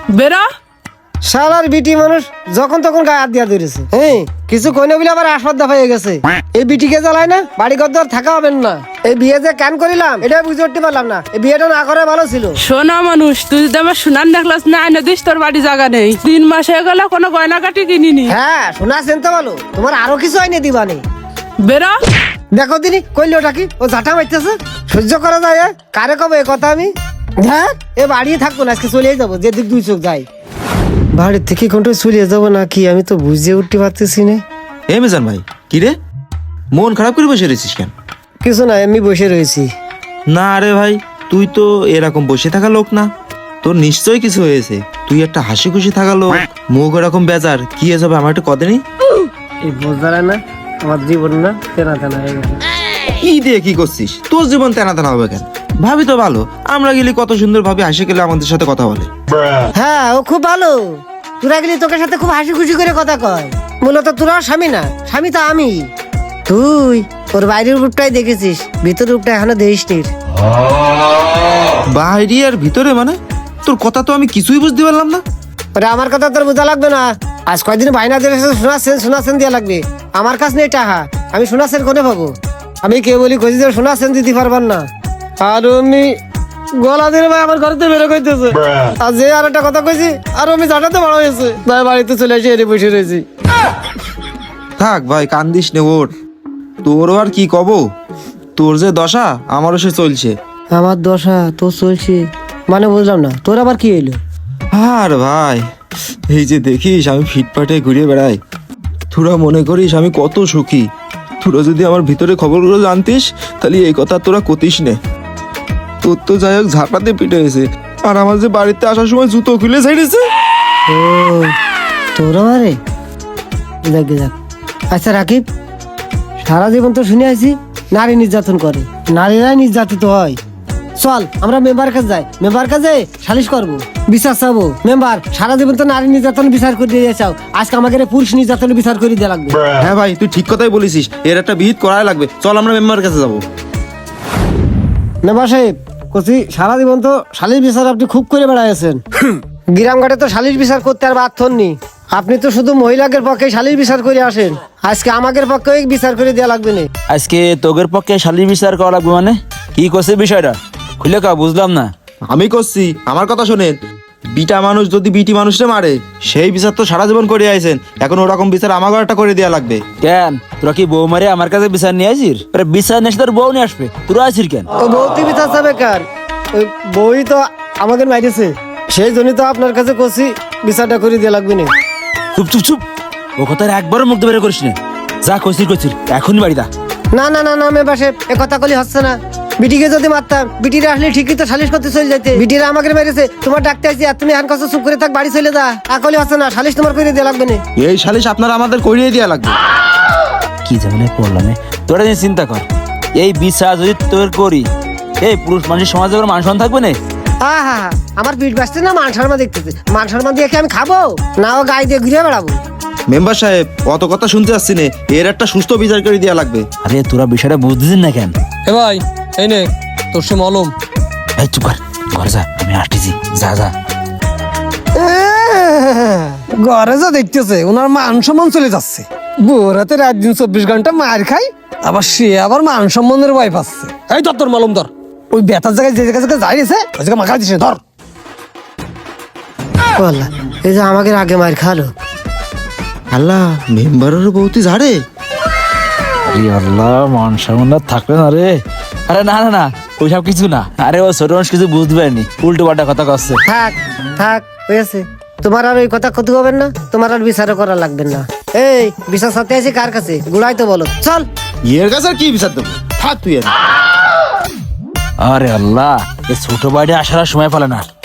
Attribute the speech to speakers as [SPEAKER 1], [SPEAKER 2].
[SPEAKER 1] বেরা
[SPEAKER 2] শালার বিটি মানুষ যখন তখন গায়ে হাত দিয়া ধরেছে। হ্যাঁ, কিছু কইনা বলে আবার আসবাদ্দা হয়ে গেছে। এই বিটিকে জ্বালায় না, বাড়ি ঘর দর থাকা হবেন না। এই বিয়ে যে কেন করিলাম এটা বুঝে উঠতে পারলাম না। এই বিয়েটা না করে ভালো ছিল।
[SPEAKER 1] সোনা মানুষ, তুই যদি আমার সোনার নেকলেস না এনে দিস, তোর বাড়ি জায়গা নেই। 3 মাস হয়ে গেল কোনো গয়না কাটি কিনিনি।
[SPEAKER 2] হ্যাঁ, শোনা চিন্তা ভালো, তোমার আরো কিছু আইনে দিবানি।
[SPEAKER 1] বেরা
[SPEAKER 2] দেখো দিনি কইল ওটা কি, ও ঝাঁটা মারতেছে, সহ্য করা যায়? কারে কবে এ কথা আমি? হ্যাঁ, এ বাড়িয়ে থাকবো না, আজকে চলেই যাবো, যেদিক 2 চোখ যাই। বাড়ির থেকে কোনটা চলে যাবো নাকি আমি তো বুঝে উঠতে পারতেছি না।
[SPEAKER 3] এ মেজান ভাই, কি রে মন খারাপ করে বসে রয়েছিস কেন?
[SPEAKER 2] কিছু না, এমনি বসে রয়েছি।
[SPEAKER 3] না রে ভাই, তুই তো এরকম বসে থাকা লোক না, তোর নিশ্চয়ই কিছু হয়েছে। তুই একটা হাসি খুশি থাকা লোক, মুখ এরকম বেজার, কি হয়েছে আমার একটু কদে নেই?
[SPEAKER 2] এই বোঝারা না, আমার জীবন না তেনা তেনা হয়ে গেছে।
[SPEAKER 3] কি দিয়ে কি করছিস? তোর জীবন তেনা তেনা হবে কেন? ভাবি তো ভালো, আমরা গেলি কত সুন্দর ভাবে হাসি খেলে আমাদের সাথে কথা বলে।
[SPEAKER 2] হ্যাঁ, ও খুব ভালো। তোরা গেলি তোকে সাথে খুব হাসি খুশি করে কথা কয়। মূলত তোরা স্বামী না, স্বামী তো আমি। তুই ওর বাইরের রূপটাই দেখেছিস, ভিতরের রূপটা এখনো দেখিসনি।
[SPEAKER 3] বাইরে আর ভিতরে মানে? তোর কথা তো আমি কিছুই বুঝতে পারলাম না।
[SPEAKER 2] ওরে আমার কথা তোর বোঝা লাগবে না। আজ কয়দিন বাইনা দিয়ে শোনাচ্ছেন দিয়া লাগবে। আমার কাছে নেই টাকা, আমি শোনাচ্ছেন কোনে পাবো? আমি কে বলি কইছি যে শোনাচ্ছেন দিতে পারবার না। আর আমি গলা দিয়ে ভাই আমার ঘরেতে বেরো কইতেছে। আর যে আর একটা কথা কইছি, আর আমি জানাতে বড় হয়েছে, তাই বাড়িতে চলে এসে এনে বসে রয়েছি।
[SPEAKER 3] থাক ভাই, কান্দিস নে, ওর তোরও আর কি কব। তোর যে দশা আমারও সে চলছে।
[SPEAKER 2] আমার দশা তোর চলছে মানে বুঝলাম না, তোর আবার কি এলো?
[SPEAKER 3] আর ভাই, এই যে দেখিস আমি ফিটপাটে ঘুরে বেড়াই, তোরা মনে করিস আমি কত সুখী। তোরা যদি আমার ভিতরে খবরগুলো জানতিস তাহলে এই কথা তোরা কতিস নে। তোর তো যাই হোক ঝাঁপাতে পিটে হয়েছে, আর আমার যে বাড়িতে আসার সময় জুতো খুলে ছেড়েছে।
[SPEAKER 2] ও তোর আমারে দেখ দেখ। আচ্ছা রাকিব, সারা জীবন তো শুনে আছি নারী নির্যাতন করে, নারীরাই নির্যাতিত হয়। চল আমরা মেম্বার কাছে যাই, মেম্বার কাছে সালিশ করবো, বিচার চাবো। মেম্বার, সারা জীবন তো নারী নির্যাতন বিচার করে দিয়ে চাও, আজকে আমাকে পুরুষ নির্যাতন বিচার করে দেওয়া লাগবে।
[SPEAKER 3] হ্যাঁ ভাই, তুই ঠিক কথাই বলেছিস, এর একটা বিহিত করাই লাগবে। চল আমরা মেম্বারের কাছে যাবো।
[SPEAKER 2] মেম্বার সাহেব কচি, সারা জীবন তো সালিশ বিচার আপনি খুব করে বেড়াইছেন। গ্রামঘাটে তো সালিশ বিচার করতে আর বাধ্য নি। আপনি তো শুধু মহিলাদের পক্ষে সালিশ বিচার করে আসেন, আজকে আমাদের পক্ষে বিচার করে দেওয়া লাগবে না।
[SPEAKER 4] আজকে তোগের পক্ষে শালির বিচার করা লাগবে মানে? কি করছে বিষয়টা খুলে কা, বুঝলাম না।
[SPEAKER 3] আমি করছি, আমার কথা শোনেন। বিটা মানুষ যদি বিটি মানুষে মারে, সেই বিচার তো সারা জীবন করে আইছেন, এখন ওরকম বিচার আমাকে একটা করে দেওয়া লাগবে।
[SPEAKER 4] কেন তোরা কি বউ মারে আমার কাছে বিচার নিয়ে আসিস? বিচার নিয়ে তোর বউ নিয়ে আসবে, তোরা আসিস কেন?
[SPEAKER 2] ও বউতি বিচার চাবে কার? ওই বই তো আমাদের মাইরেছে, সেই জন্যই তো আপনার কাছে করছি বিচারটা করে দেওয়া লাগবে না।
[SPEAKER 4] চুপ চুপ চুপ, ও কথা একবারও মুখ বের করিস না। যা কইছিস কইছিস, এখনই বাড়ি দা।
[SPEAKER 2] না না না না মেম্বার সাহেব, এ কথা কলি হচ্ছে না। বিটিকে যদি মারতাম, বিটিরা আসলে ঠিকই তো সালিশ করতে চলে যাইতে। বিটিরা আমাকে মেরেছে, তোমার ডাকতে আসছি, আর তুমি এখন কাছে চুপ করে থাক, বাড়ি চলে যা। আকলি হচ্ছে না, সালিশ তোমার করে দেওয়া লাগবে না।
[SPEAKER 3] এই সালিশ আপনারা আমাদের করিয়ে দেওয়া লাগবে।
[SPEAKER 4] কি ঝামেলায় পড়লাম। তোরা নিয়ে চিন্তা কর, এই বিচার যদি তোর করি, এই পুরুষ মানুষের সমাজে কোনো মান সম্মান থাকবে না।
[SPEAKER 2] হা আমার পিঠ বাঁচতে না, মান সম্মান দেখতেছে। মান সম্মান দিয়ে কি আমি খাবো না, ও গায়ে দিয়ে ঘুরে বেড়াবো?
[SPEAKER 3] মেম্বার সাহেব, অত কথা শুনতে আসছি না, এর একটা সুস্থ বিচার করে দেওয়া লাগবে।
[SPEAKER 4] আরে তোরা বিষয়টা বুঝতেছিস না কেন?
[SPEAKER 5] এ ভাই, এই নে তোর সে মলম।
[SPEAKER 4] এই চুপ কর, ঘর যা, আমি আসতেছি। যা যা।
[SPEAKER 5] ঘরে যা দেখতেছে ওনার মান সম্মান চলে যাচ্ছে। বউরাতে রাত দিন 24 ঘন্টা মার খাই, আবার সে আবার মান সম্মানের ভয় পাচ্ছে। এই ধর তোর মলম ধর, ওই ব্যথার জায়গায় যে জায়গায় যাই গেছে ওই জায়গায় মাখা দিছে, ধর।
[SPEAKER 2] বললা এই যে আমাকে আগে মার খালো।
[SPEAKER 3] আল্লাহ, মেম্বারের বউতি ঝাড়ে।
[SPEAKER 4] আরে আল্লাহ, মান সম্মান থাকবে না রে। আরে না না না, ওইসব কিছু না। আরে ও ছোট মানুষ কিছু বুঝতে পারেনি, উল্টো পাল্টা কথা কচ্ছে।
[SPEAKER 2] থাক থাক হয়েছে, তোমার আর ওই কথা ক্ষতি হবেন না, তোমার আর বিচারও করা লাগবে না। এই বিচার সাথে আছি কার কাছে, গুলাই তো বলো। চল,
[SPEAKER 3] এর কাছে আর কি বিচার দেবো? থাক তুই।
[SPEAKER 4] আরে আল্লাহ, এই ছোট বাড়ি আসার আর সময় পেলে না।